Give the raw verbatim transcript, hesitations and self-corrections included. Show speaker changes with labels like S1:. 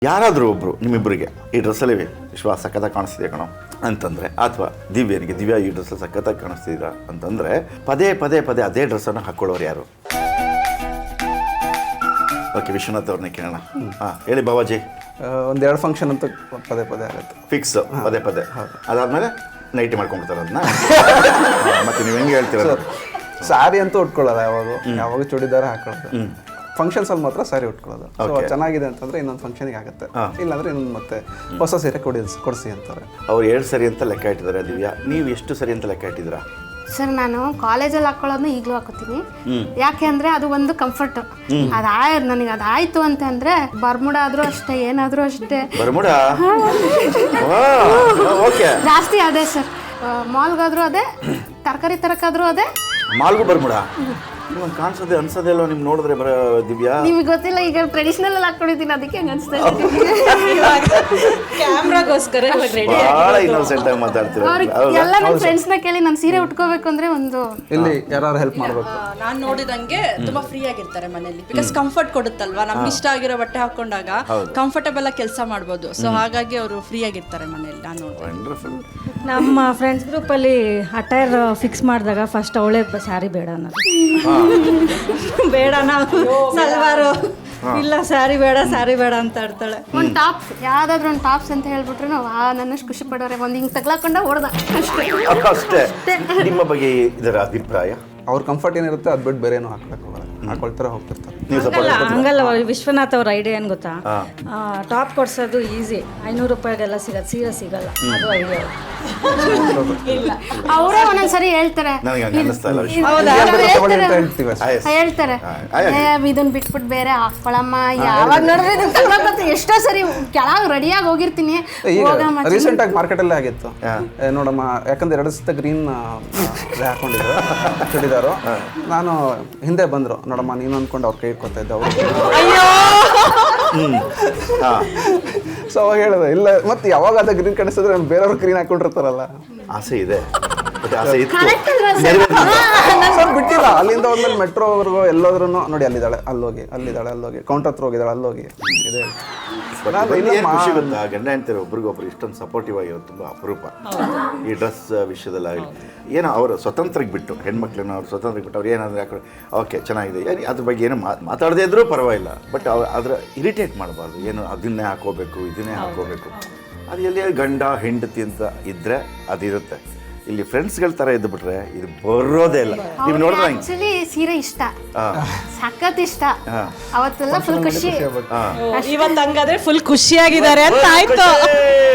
S1: ಯಾರಾದರೂ ಒಬ್ಬರು ನಿಮ್ಮಿಬ್ಬರಿಗೆ ಈ ಡ್ರೆಸ್ಸಲ್ಲಿ ವಿಶ್ವ ಸಖತ್ತಾಗಿ ಕಾಣಿಸ್ತಿದೆ ಕಣೋ ಅಂತಂದರೆ, ಅಥವಾ ದಿವ್ಯನಿಗೆ ದಿವ್ಯಾ ಈ ಡ್ರೆಸ್ಸಲ್ಲಿ ಸಖತ್ತಾಗಿ ಕಾಣಿಸ್ತಿದ್ದೀರಾ ಅಂತಂದರೆ ಪದೇ ಪದೇ ಪದೇ ಅದೇ ಡ್ರೆಸ್ಸನ್ನು ಹಾಕ್ಕೊಳ್ಳೋರು ಯಾರು? ಓಕೆ, ವಿಶ್ವನಾಥ್ ಅವ್ರನ್ನೇ ಕೇಳೋಣ. ಹಾಂ ಹೇಳಿ ಬಾಬಾಜಿ.
S2: ಒಂದೆರಡು ಫಂಕ್ಷನ್ ಅಂತ ಪದೇ ಪದೇ ಆಗುತ್ತೆ,
S1: ಫಿಕ್ಸ್ ಪದೇ ಪದೇ. ಅದಾದಮೇಲೆ ನೈಟಿ ಮಾಡ್ಕೊಂಡ್ಬಿಡ್ತಾರೆ ಅದನ್ನ. ಮತ್ತು ನೀವು ಹೆಂಗೆ ಹೇಳ್ತೀರ?
S2: ಸ್ಯಾರಿ ಅಂತೂ ಉಟ್ಕೊಳ್ಳೋದು, ಯಾವಾಗ ಯಾವಾಗ ಚೂಡಿದಾರ ಹಾಕೊಳ್ಳೋದು. ಫಂಕ್ಷನ್ಸ್ ಅಲ್ಲಿ ಮಾತ್ರ ಸ್ಯಾರಿ ಉಟ್ಕೊಳ್ಳೋದು. ಸೊ ಚೆನ್ನಾಗಿದೆ ಅಂತಂದ್ರೆ ಇನ್ನೊಂದು ಫಂಕ್ಷನ್ಗೆ ಆಗುತ್ತೆ, ಇಲ್ಲಾಂದ್ರೆ ಇನ್ನೊಂದು ಮತ್ತೆ ಹೊಸ ಸೀರೆ ಕೊಡಿಸಿ ಕೊಡಿಸಿ ಅಂತಾರೆ.
S1: ಅವ್ರು ಎರಡು ಸರಿ ಅಂತ ಲೆಕ್ಕ ಇಟ್ಟಿದ್ದಾರೆ. ದಿವ್ಯಾ, ನೀವು ಎಷ್ಟು ಸರಿ ಅಂತ ಲೆಕ್ಕ ಇಟ್ಟಿದ್ದೀರಾ?
S3: ಸರ್, ನಾನು ಕಾಲೇಜಲ್ಲಿ ಹಾಕೊಳ್ಳೋದನ್ನ ಈಗಲೂ ಹಾಕೋತೀನಿ. ಯಾಕೆ ಅಂದ್ರೆ ಅದು ಒಂದು ಕಂಫರ್ಟ್. ಅದಾಯ ನನಗೆ ಅದಾಯ್ತು ಅಂತ ಅಂದ್ರೆ ಬರ್ಮುಡ ಆದ್ರೂ ಅಷ್ಟೇ, ಏನಾದ್ರೂ ಅಷ್ಟೇ.
S1: ಬರ್ಮುಡ
S3: ಜಾಸ್ತಿ ಅದೇ ಸರ್. ಮಾಲ್ಗಾದ್ರೂ ಅದೇ, ತರಕಾರಿ ತರಕಾದ್ರೂ ಅದೇ.
S1: ಮಾಲ್ಗೂ ಬರ್ಮುಡ ನಿಮಗೆ ಕಾಣಿಸೋದೆ ಅನ್ಸೋದೇ ಅಲ್ವಾ ನಿಮ್ಗೆ ನೋಡಿದ್ರೆ? ಬರ ದಿವ್ಯಾ,
S3: ನಿಮಗೆ ಗೊತ್ತಿಲ್ಲ, ಈಗ ಟ್ರೆಡಿಷನಲ್ ಅಲ್ಲಿ ಹಾಕೊಂಡಿದ್ದೀನಿ, ಅದಕ್ಕೆ ಹಂಗೆ ಅನಿಸ್ತಾ
S4: ಕ್ಯಾಮ್ರಾಗೋಸ್ಕರ
S1: ಭಾಳ ಇನ್ನೋಸೆಂಟ್ ಆಗಿ ಮಾತಾಡ್ತೀರ.
S3: ಎಲ್ಲ ನನ್ನ ಫ್ರೆಂಡ್ಸ್ನ ಕೇಳಿ ನಾನು ಸೀರೆ ಉಟ್ಕೋಬೇಕು ಅಂದ್ರೆ ಒಂದು
S2: ಇಲ್ಲಿ ಯಾರು ಹೆಲ್ಪ್ ಮಾಡಬೇಕು.
S4: ನಾನು ನೋಡಿದಂಗೆ ತುಂಬಾ ಫ್ರೀ ಆಗಿರ್ತಾರೆ ಮನೆಯಲ್ಲಿ, ಬಿಕಾಸ್ ಕಂಫರ್ಟ್ ಕೊಡುತ್ತಲ್ವಾ. ನಮ್ಗೆ ಇಷ್ಟ ಆಗಿರೋ ಬಟ್ಟೆ ಹಾಕೊಂಡಾಗ ಕಂಫರ್ಟಬಲ್ ಆಗಿ ಕೆಲಸ ಮಾಡ್ಬೋದು. ಸೊ ಹಾಗಾಗಿ ಅವರು ಫ್ರೀ ಆಗಿರ್ತಾರೆ ಮನೆಯಲ್ಲಿ. ನಾನು
S1: ವಂಡರ್ಫುಲ್.
S5: ನಮ್ಮ ಫ್ರೆಂಡ್ಸ್ ಗ್ರೂಪಲ್ಲಿ ಅಟೈರ್ ಫಿಕ್ಸ್ ಮಾಡಿದಾಗ ಫಸ್ಟ್ ಅವಳೇ ಸ್ಯಾರಿ ಬೇಡ ಅನ್ನೋದು. ಬೇಡ, ನಾವು ಸಲ್ವಾರು ಇಲ್ಲ, ಸ್ಯಾರಿ ಬೇಡ ಸ್ಯಾರಿ ಬೇಡ ಅಂತ ಆಡ್ತಾಳೆ.
S3: ಒಂದು ಟಾಪ್ಸ್, ಯಾವ್ದಾದ್ರು ಒಂದು ಟಾಪ್ಸ್ ಅಂತ ಹೇಳ್ಬಿಟ್ರೆ ನಾವು ಆ ನನ್ನಷ್ಟು ಖುಷಿ ಪಡೋರೆ. ಒಂದು ಹಿಂಗೆ ತಗ್ಲಾಕೊಂಡ ಹೊಡೆದ
S1: ಅಷ್ಟೇ. ನಿಮ್ಮ ಬಗ್ಗೆ ಇದರ ಅಭಿಪ್ರಾಯ?
S2: ಅವ್ರ ಕಂಫರ್ಟ್ ಏನಿರುತ್ತೆ ಅದು ಬಿಟ್ಟು ಬೇರೆ ಏನೋ ಹಾಕ್ಬೇಕು, ಹಾಕೊಳ್ತಾರೆ ಹೋಗ್ತಿರ್ತಾರೆ.
S5: ಹಂಗಲ್ಲ, ವಿಶ್ವನಾಥ್ ಅವ್ರ ಐಡಿಯಾ ಏನು ಗೊತ್ತಾ? ಟಾಪ್ ಕೊಡ್ಸೋದು ಈಸಿ, ಐನೂರು ರೂಪಾಯಿಗೆಲ್ಲ ಸಿಗತ್ತೆ, ಸೀರೆ ಸಿಗಲ್ಲ. ಅದು ಐಡಿಯಾ
S3: ಅವರೇ ಒಂದೊಂದ್ಸರಿ ಹೇಳ್ತಾರೆ ಹೇಳ್ತಾರೆ ಇದನ್ನ ಬಿಟ್ಬಿಟ್ಟು ಬೇರೆ ಹಾಕೊಳಮ್ಮ. ಯಾವಾಗ ನೋಡಿದ್ರೆ ಇದನ್ನ ತಗೊಳಕತ್ತೆ. ಎಷ್ಟೋ ಸರಿ ಕೆಳಗೆ ರೆಡಿಯಾಗಿ ಹೋಗಿರ್ತೀನಿ.
S2: ರೀಸೆಂಟ್ ಆಗಿ ಮಾರ್ಕೆಟ್ ಅಲ್ಲೇ ಆಗಿತ್ತು ನೋಡಮ್ಮ, ಯಾಕಂದ್ರೆ ಎರಡು ಸತ ಗ್ರೀನ್ ಹಾಕೊಂಡಿದ್ರು ಚೂಡಿದಾರು. ನಾನು ಹಿಂದೆ ಬಂದ್ರು, ನೋಡಮ್ಮ ನೀನು ಅನ್ಕೊಂಡು ಅವ್ರ ಕೈ ಇಟ್ಕೊತಾ ಇದ್ದೆ ಅವರು. ಸೊ ಅವಾಗ ಹೇಳಿದೆ ಇಲ್ಲ, ಮತ್ತೆ ಯಾವಾಗ ಅದ ಗ್ರೀನ್ ಕಾಣಿಸಿದ್ರೆ ಬೇರೆಯವ್ರು ಗ್ರೀನ್ ಹಾಕೊಂಡಿರ್ತಾರಲ್ಲ.
S1: ಆಸೆ ಇದೆ, ಆಸೆ ಇತ್ತು,
S2: ಬಿಟ್ಟಿಲ್ಲ. ಅಲ್ಲಿಂದ ಹೋದ್ಮೇಲೆ ಮೆಟ್ರೋವರೆಗೂ ಎಲ್ಲೋದ್ರೂ ನೋಡಿ ಅಲ್ಲಿದ್ದಾಳೆ, ಅಲ್ಲೋಗಿ ಅಲ್ಲಿದ್ದಾಳೆ, ಅಲ್ಲೋಗಿ ಕೌಂಟರ್ ಹತ್ರ ಹೋಗಿದ್ದಾಳೆ, ಅಲ್ಲೋಗಿ ಇದೆ.
S1: ಖುಷಿ ಗೊತ್ತಾ, ಗಂಡ ಹೆಂಡ್ತಿರು ಒಬ್ರಿಗೊಬ್ರು ಇಷ್ಟೊಂದು ಸಪೋರ್ಟಿವ್ ಆಗಿರೋದು ತುಂಬ ಅಪರೂಪ. ಈ ಡ್ರೆಸ್ ವಿಷಯದಲ್ಲಾಗಲಿ ಏನೋ ಅವರು ಸ್ವತಂತ್ರಕ್ಕೆ ಬಿಟ್ಟು, ಹೆಣ್ಮಕ್ಳನ್ನ ಅವ್ರು ಸ್ವತಂತ್ರಕ್ಕೆ ಬಿಟ್ಟು ಅವ್ರು ಏನಾದರೂ ಯಾಕಡೆ ಓಕೆ ಚೆನ್ನಾಗಿದೆ, ಏನು ಅದ್ರ ಬಗ್ಗೆ ಏನು ಮಾತಾಡದೇ ಇದ್ರೂ ಪರವಾಗಿಲ್ಲ. ಬಟ್ ಅವ್ರು ಅದರ ಇರಿಟೇಟ್ ಮಾಡಬಾರ್ದು. ಏನು ಅದನ್ನೇ ಹಾಕೋಬೇಕು ಇದನ್ನೇ ಹಾಕೋಬೇಕು. ಅದು ಎಲ್ಲಿ ಗಂಡ ಹೆಂಡತಿ ಅಂತ ಇದ್ದರೆ ಅದಿರುತ್ತೆ. ಇಲ್ಲಿ ಫ್ರೆಂಡ್ಸ್ಗಳ ಥರ ಇದ್ದು ಬಿಟ್ರೆ ಇದು ಬರೋದೇ ಇಲ್ಲ. ನೀವು ನೋಡಿದ್ರೆ
S3: ಆಕ್ಚುಲಿ ಸೀರೆ ಇಷ್ಟ, ಸಖತ್ ಇಷ್ಟ. ಅವತ್ತೆಲ್ಲ ಫುಲ್ ಖುಷಿ.
S4: ಇವತ್ತು ಹಂಗಾದ್ರೆ ಫುಲ್ ಖುಷಿಯಾಗಿದ್ದಾರೆ ಅಂತ ಆಯ್ತು.